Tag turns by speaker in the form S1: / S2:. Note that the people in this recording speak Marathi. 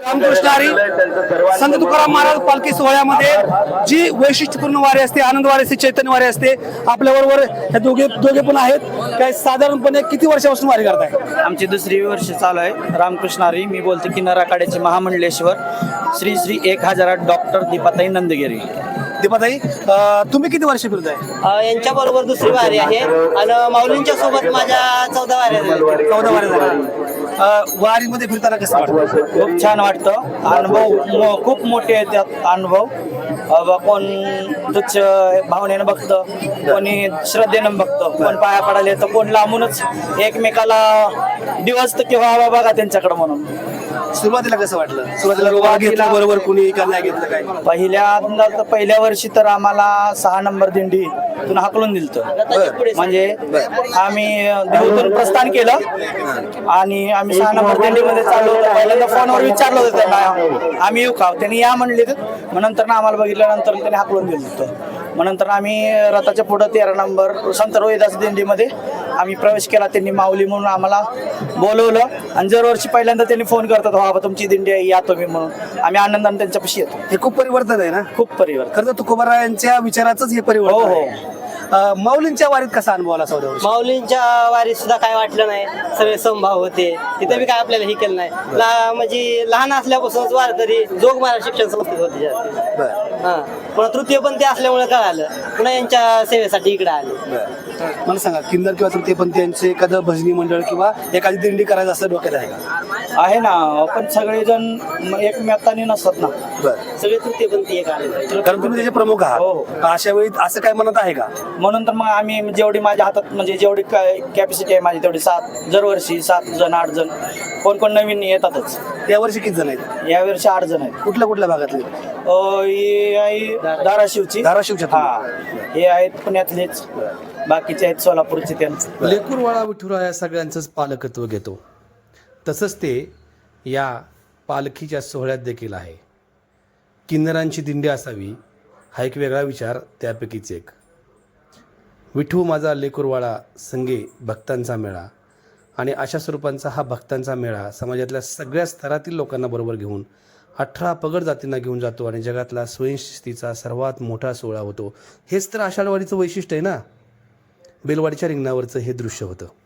S1: रामकृष्ण हरी संत तुकाराम महाराज पालखी सोहळ्यामध्ये जी वैशिष्ट्यपूर्ण वारी असते, आनंद वारी असते, चैतन्य वारी असते. आपल्याबरोबर हे दोघे पण आहेत. काय साधारणपणे किती वर्षापासून वारी करताय?
S2: आमची दुसरी वर्ष चालू आहे. रामकृष्ण हरी. मी बोलते किन्नर आखाड्याचे महामंडलेश्वर श्री श्री 1000 डॉक्टर दीपाताई नंदगिरी.
S1: दीपाताई, तुम्ही किती वर्ष फिरताय?
S3: यांच्या बरोबर दुसरी वारी आहे आणि माऊलींच्या सोबत माझ्या 14 वाऱ्या झाल्या.
S1: 14 वारी झाल्या. वारीमध्ये फिरताना कसं वाटतं?
S2: खूप छान वाटतं. अनुभव खूप मोठे आहेत त्यात अनुभव. कोण तुच्छ भावनेनं बघतं, कोणी श्रद्धेनं बघतं, कोण पाया पडायला येतं, कोण लांबूनच एकमेकाला दिवस तर किंवा बघा त्यांच्याकडे म्हणून.
S1: सुरुवातीला कसं वाटलं? सुरुवातीला घेतलं बरोबर, कुणी का नाही घेतलं काय?
S2: पहिल्या वर्षी तर आम्हाला 6 नंबर दिंडीतून हाकलून दिलतं. म्हणजे आम्ही देहूतून प्रस्थान केलं आणि आम्ही 6 नंबर दिंडीमध्ये चाललो होतो. पहिल्यांदा फोनवर विचारलं होतं त्यांना, आम्ही येऊ का? त्यांनी या म्हणले. मग नंतर आम्हाला बघितल्यानंतर त्यांनी हाकलून दिलं होतं. मग नंतर आम्ही रथाच्या पुढं 13 नंबर संत रोहिदास दिंडीमध्ये आम्ही प्रवेश केला. त्यांनी माऊली म्हणून आम्हाला बोलवलं आणि दरवर्षी पहिल्यांदा त्यांनी फोन करतात, बाबा तुमची दिंडी आहे, या तुम्ही म्हणून. आम्ही आनंदाने त्यांच्यापाशी येतो.
S1: हे खूप परिवर्तन आहे ना?
S2: खूप परिवर्तन.
S1: खरं तर तुकोबारायांच्या विचाराचंच हे परिवर्तन
S2: हो.
S1: आहे. माऊलींच्या वारीत कसा अनुभव आला? 14 वर्ष
S3: माऊलींच्या वारीत सुद्धा काय वाटलं नाही. सगळे समभाव होते. तिथे बी काय आपल्याला हे केलं नाही. म्हणजे लहान असल्यापासूनच वारकरी जोग महाराज शिक्षण संस्थेत होते जास्त.
S1: बरं.
S3: पण तृतीयपंथी असल्यामुळे कळालं, पुन्हा यांच्या सेवेसाठी इकडे आले.
S1: मला सांगा, किन्नर किंवा तृतीयपंथीयांचे एखादं भजनी मंडळ किंवा एखादी दिंडी करायचं असं डोक्यात आहे का?
S2: आहे ना, पण सगळेजण एकमेकांनी नसतात ना.
S1: बरं.
S3: सगळे तृतीयपंथी एक आले.
S1: कारण तुम्ही त्याचे प्रमुख आहात.
S2: हो.
S1: अशा वेळी असं काय म्हणत आहे का?
S2: म्हणून तर मग आम्ही जेवढी माझ्या हातात म्हणजे जेवढी कॅपॅसिटी आहे माझी तेवढी 7 दरवर्षी 7 जण 8 जण कोण नवीन येतातच.
S1: यावर्षी किती जण आहेत?
S2: यावर्षी 8 जण आहेत.
S1: कुठल्या भागातले?
S2: ही आहे धाराशिवची.
S1: धाराशिवच्या.
S2: हे आहेत पुण्यातलेच, बाकीचे आहेत सोलापूरचे. त्यांचं
S4: लेकूरवाळा विठुरा या सगळ्यांचंच पालकत्व घेतो. तसंच ते या पालखीच्या सोहळ्यात देखील आहे. किन्नरांची दिंडी असावी हा एक वेगळा विचार त्यापैकीच एक. विठू माझा लेकूरवाळा संगे भक्तांचा मेळा. आणि अशा स्वरूपांचा हा भक्तांचा मेळा समाजातल्या सगळ्या स्तरातील लोकांना बरोबर घेऊन 18 पगड जातींना घेऊन जातो आणि जगातला स्वयंशिस्तीचा सर्वात मोठा सोहळा होतो. हेच तर आषाढवाडीचं वैशिष्ट्य आहे ना. बेलवाडीच्या रिंगणावरचं हे दृश्य होतं.